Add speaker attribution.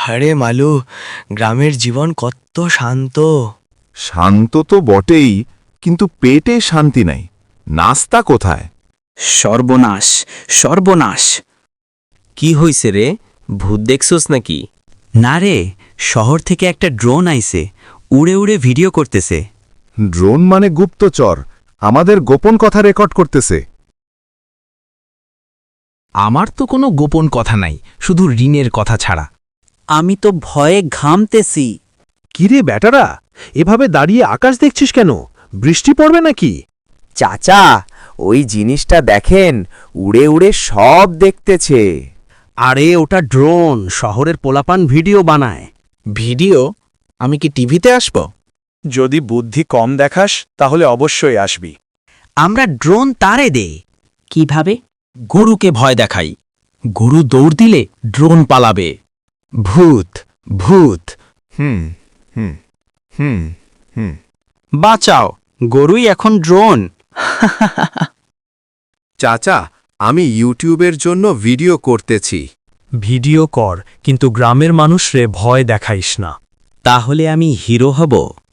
Speaker 1: আরে মালু, গ্রামের জীবন কত শান্ত।
Speaker 2: শান্ত তো বটেই, কিন্তু পেটে শান্তি নাই। নাস্তা কোথায়?
Speaker 3: সর্বনাশ, সর্বনাশ।
Speaker 4: কি হইছে রে? ভূত দেখছস নাকি?
Speaker 3: না রে, শহর থেকে একটা ড্রোন আইছে, উড়ে উড়ে ভিডিও করতেছে।
Speaker 2: ড্রোন মানে গুপ্তচর, আমাদের গোপন কথা রেকর্ড করতেছে।
Speaker 5: আমার তো কোনো গোপন কথা নাই, শুধু ঋণের কথা ছাড়া।
Speaker 3: আমি তো ভয়ে ঘামতেছি।
Speaker 6: কিরে ব্যাটারা, এভাবে দাঁড়িয়ে আকাশ দেখছিস কেন? বৃষ্টি পড়বে নাকি?
Speaker 7: চাচা, ওই জিনিসটা দেখেন, উড়ে উড়ে সব দেখতেছে।
Speaker 6: আরে ওটা ড্রোন, শহরের পোলাপান ভিডিও বানায়।
Speaker 5: ভিডিও? আমি কি টিভিতে আসব?
Speaker 8: যদি বুদ্ধি কম দেখাস তাহলে অবশ্যই আসবি।
Speaker 3: আমরা ড্রোন তারে দে। কিভাবে?
Speaker 5: গরুকে ভয় দেখাই, গরু দৌড় দিলে ড্রোন পালাবে। ভূত, ভূত।
Speaker 2: হুম হুম হুম হুম
Speaker 3: বাঁচাও, গরুই এখন ড্রোন।
Speaker 8: চাচা, আমি ইউটিউবের জন্য ভিডিও করতেছি।
Speaker 9: ভিডিও কর, কিন্তু গ্রামের মানুষরে ভয় দেখাইস না।
Speaker 3: তাহলে আমি হিরো হব।